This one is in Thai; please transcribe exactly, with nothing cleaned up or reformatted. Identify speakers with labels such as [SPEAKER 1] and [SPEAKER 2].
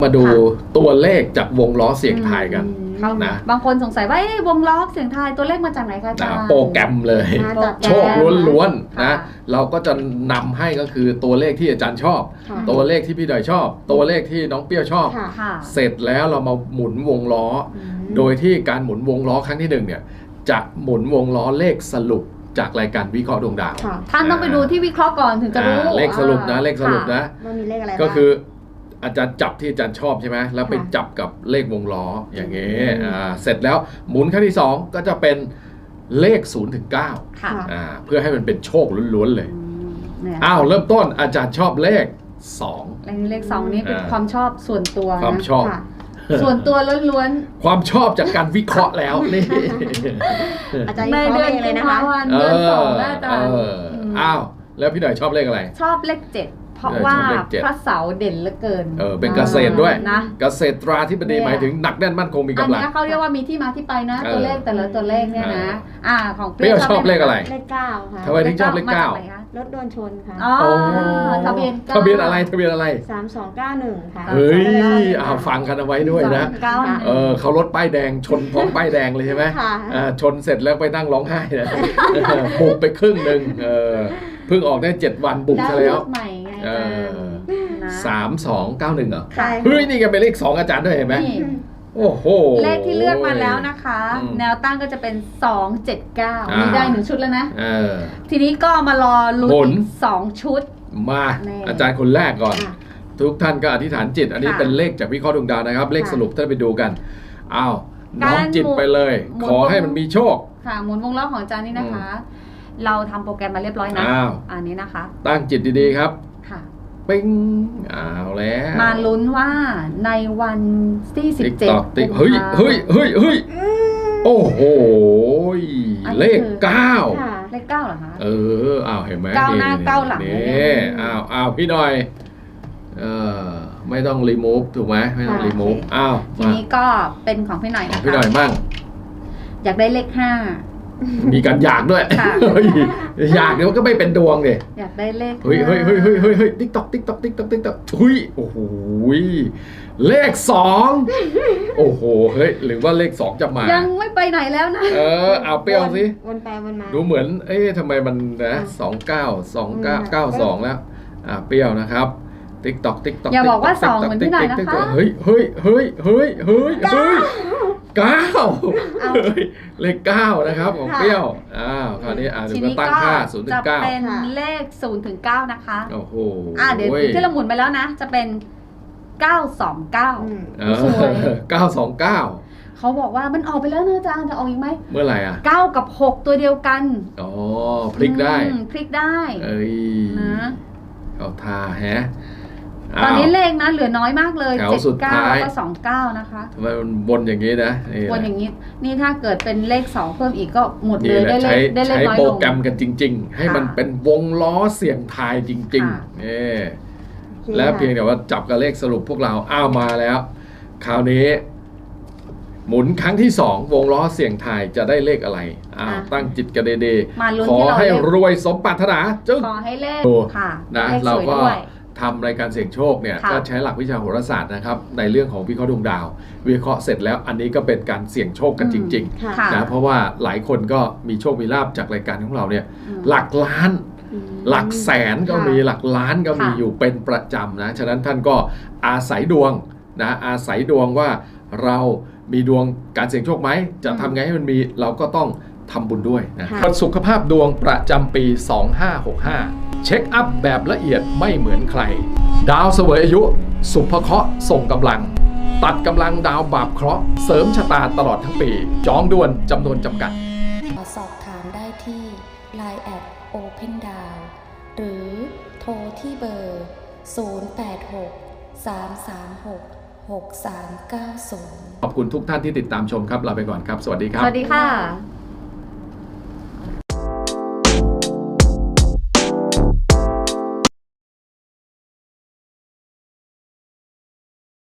[SPEAKER 1] มาดูตัวเลขจากวงล้อเสียงทายกันนะ
[SPEAKER 2] บางคนสงสัยว่าวงล้อเสียงทายตัวเลขมาจากไหนคะอาจารย์
[SPEAKER 1] โปรแกรมเลยโชคล้วนๆนะเราก็จะนำให้ก็คือตัวเลขที่อาจารย์ชอบตัวเลขที่พี่ดอยชอบตัวเลขที่น้องเปี้ยวชอบเสร็จแล้วเรามาหมุนวงล้อโดยที่การหมุนวงล้อครั้งที่หนึ่งเนี่ยจะหมุนวงล้อเลขสรุปจากรายการวิเคราะห์ดวงดาว
[SPEAKER 2] ท่านต้องไปดูที่วิเคราะห์ก่อนถึงจะรู้
[SPEAKER 1] เลขสรุปนะเลขสรุปนะก็คืออาจารย์จับที่อาจารย์ชอบใช่ไหมแล้วไปจับกับเลขวงล้ออย่างเงี้ยเสร็จแล้วหมุนครั้งที่สองก็จะเป็นเลขศูนย์ถึงเก้าเพื่อให้มันเป็นโชคล้วนๆเลยอ้าวเริ่มต้นอาจารย์ชอบเลขสอง
[SPEAKER 2] เลขสองนี่เป็นความชอบส่วนตัว
[SPEAKER 1] ความชอบ
[SPEAKER 2] ส่วนตัวล้วน
[SPEAKER 1] ๆความชอบจากการวิเคราะห์แล้วนี่
[SPEAKER 2] อาจารย์ในเดือนเลยนะคะเดือนสองอาจารย์
[SPEAKER 1] อ้าวแล้วพี่หน่อยชอบเลขอะไร
[SPEAKER 2] ชอบเลขเจ็ดเพราะว่าพระเสาเด่นเหลือเกิน
[SPEAKER 1] เออเป็นเกษตรด้วยนะเกษตราธิบดีหมายถึงหนักแน่นมั่นคงมีกำลังอัน
[SPEAKER 2] นี้เขาเรียกว่ามีที่มาที่ไปนะตัวเลขแต่ละตัวเลขเนี่ยนะอ่าของ
[SPEAKER 1] เปรี้ยวชอบเลขอะไร
[SPEAKER 3] เลขเก้าค่ะ
[SPEAKER 1] ทำไมถึงชอบเลขเก้าร
[SPEAKER 3] ถโดนชนค่ะ
[SPEAKER 2] อ๋อทะเบียน
[SPEAKER 1] ทะเบียนอะไรทะเบียนอะไร
[SPEAKER 3] สามสองเก้าหนึ่งค่ะ
[SPEAKER 1] เฮ้ยเอาฟังกันเอาไว้ด้วยนะเออเขารถป้ายแดงชนพร้อมป้ายแดงเลยใช่ไหมชนเสร็จแล้วไปนั่งร้องไห้นะบุกไปครึ่งหนึ่งเออเพิ่งออกได้เจ็ดวันบุกซะแล้วสามสองเก้าหนึ่งเหรอเฮ้ยนี่ก็เป็นเลขสองอาจารย์ด้วยเห็นไหมโอ้โห
[SPEAKER 2] เลขที่เลือกมาแล้วนะคะแนวตั้งก็จะเป็นสองเจ็ดเก้ามีได้หนึ่งชุดแล้วนะทีนี้ก็มารอลุ้นสองชุด
[SPEAKER 1] มาอาจารย์คนแรกก่อนทุกท่านก็อธิษฐานจิตอันนี้เป็นเลขจากวิเคราะห์ดวงดาวนะครับเลขสรุปท่านไปดูกันอ้าวน้อมจิตไปเลยขอให้มันมีโชค
[SPEAKER 2] ค่ะหมุนวงล้อของอาจารย์นี่นะคะเราทำโปรแกรมมาเรียบร้อยนะอันนี้นะคะ
[SPEAKER 1] ตั้งจิตดีๆครับปิ้งอ้าวแล้ว
[SPEAKER 2] มาลุ้นว่าในวันที่สิบเจ็ด
[SPEAKER 1] เฮ้ยเฮ้ยเฮ้ยเฮ้ยโอ้โหเลขเก้า
[SPEAKER 2] เลขเก้าเหรอคะ
[SPEAKER 1] เอออ้าวเห็นไหม
[SPEAKER 2] เก้าหน้าเก้าหลัง
[SPEAKER 1] นี่อ้าวอ้าวพี่หน่อยเออไม่ต้องรีมูฟถูกไหมไม่ต้องรีมูฟอ้าว
[SPEAKER 2] ทีนี้ก็เป็นของพี่หน่อยนะคะ
[SPEAKER 1] พี่หน่อยมั่ง
[SPEAKER 2] อยากได้เลขห้า
[SPEAKER 1] มีการอยากด้วยอยากเดี๋ยวก็ไม่เป็นดวงเลย
[SPEAKER 2] อยากได้เลข
[SPEAKER 1] เฮ้ยเฮ้ยเฮ้ยเฮ้ยเฮ้ยเฮ้ยติ๊กต๊อกติ๊กต๊อกติ๊กต๊อกติ๊กต๊อกเฮ้ยโอ้โหเลขสองโอ้โหเฮ้ยหรือว่าเลขสองจะมา
[SPEAKER 2] ยังไม่ไปไหนแล้วนะ
[SPEAKER 1] เออเอาเปรี้ยวสิ
[SPEAKER 3] วนไปวนมา
[SPEAKER 1] ดูเหมือนเอ๊ะทำไมมันนะสองเก้าสองเก้าเก้าสองแล้วอ่าเปรี้ยวนะครับติ๊กต๊อกติ๊กต๊อก
[SPEAKER 2] อย่าบอกว่าสองเหมือนที่ไหนนะคะ
[SPEAKER 1] เฮ้ยเฮ้ยเฮ้ยเฮ้ยเฮ้ยเฮ้ยเก้าเลขเก้านะครับของเปรี้ยวอ้าวคราวนี้อ่าถึงจะตั้งค่าศูนย์ถึงเก้า
[SPEAKER 2] จะเป็นเลขศูนย์ถึงเก้านะคะ
[SPEAKER 1] โอ้โห
[SPEAKER 2] อ่าเดี๋ยวที่เราหมุนไปแล้วนะจะเป็นเก้าสองเก้า
[SPEAKER 1] เก้าสองเก้า
[SPEAKER 2] เขาบอกว่ามันออกไปแล้วนะอาจารย์จะออกอีกไหม
[SPEAKER 1] เมื่อไหร่อ่ะ
[SPEAKER 2] เก้ากับหกตัวเดียวกัน
[SPEAKER 1] อ๋อพลิกได้
[SPEAKER 2] พลิกได้
[SPEAKER 1] เอ้ยนะเอาทาแฮะ
[SPEAKER 2] ตอนนี้เลขนะเหลือน้อยมากเลยเจ็ดเก้าแล้วก็สองเก้านะคะ
[SPEAKER 1] ทำไมมันวนอย่างนี้นะ
[SPEAKER 2] วนอย่างนี้นี่ถ้าเกิดเป็นเลขสองเพิ่มอีกก็หมดเลยได้เลขได้เลขน้อยลง
[SPEAKER 1] ใช้โปรแกรมกันจริงๆให้มันเป็นวงล้อเสี่ยงทายจริงๆนี่แล้วเพียงแต่ว่าจับกับเลขสรุปพวกเราอ้าวมาแล้วคราวนี้หมุนครั้งที่สองวงล้อเสี่ยงทายจะได้เลขอะไรอ้าวตั้งจิตกันดีๆขอให้รวยสมปรารถนา
[SPEAKER 2] จึงขอให้เลขค่ะ
[SPEAKER 1] นะเราก็ทำรายการเสี่ยงโชคเนี่ยก็ใช้หลักวิชาโหราศาสตร์นะครับในเรื่องของวิเคราะห์ดวงดาววิเคราะห์เสร็จแล้วอันนี้ก็เป็นการเสี่ยงโชคกันจริงๆนะเพราะว่าหลายคนก็มีโชคมีลาภจากรายการของเราเนี่ยหลักล้านหลักแสนก็มีหลักล้านก็มีอยู่เป็นประจำนะฉะนั้นท่านก็อาศัยดวงนะอาศัยดวงว่าเรามีดวงการเสี่ยงโชคไหมจะทำไงให้มันมีเราก็ต้องทำบุญด้วยนะสุขภาพดวงประจำปีสองห้าหกห้าเช็คอัพแบบละเอียดไม่เหมือนใครดาวเสวยอายุสุภเคราะห์ส่งกำลังตัดกำลังดาวบาปเคราะห์เสริมชะตาตลอดทั้งปีจองด่วนจำนวนจำกัด
[SPEAKER 4] สอบถามได้ที่ ไลน์ แอท โอเพนดาว หรือโทรที่เบอร์ ศูนย์ แปด หก สาม สาม หก หก สาม เก้า ศูนย์
[SPEAKER 1] ขอบคุณทุกท่านที่ติดตามชมครับลาไปก่อนครับสวัสดีครับ
[SPEAKER 2] สวัสดีค่ะ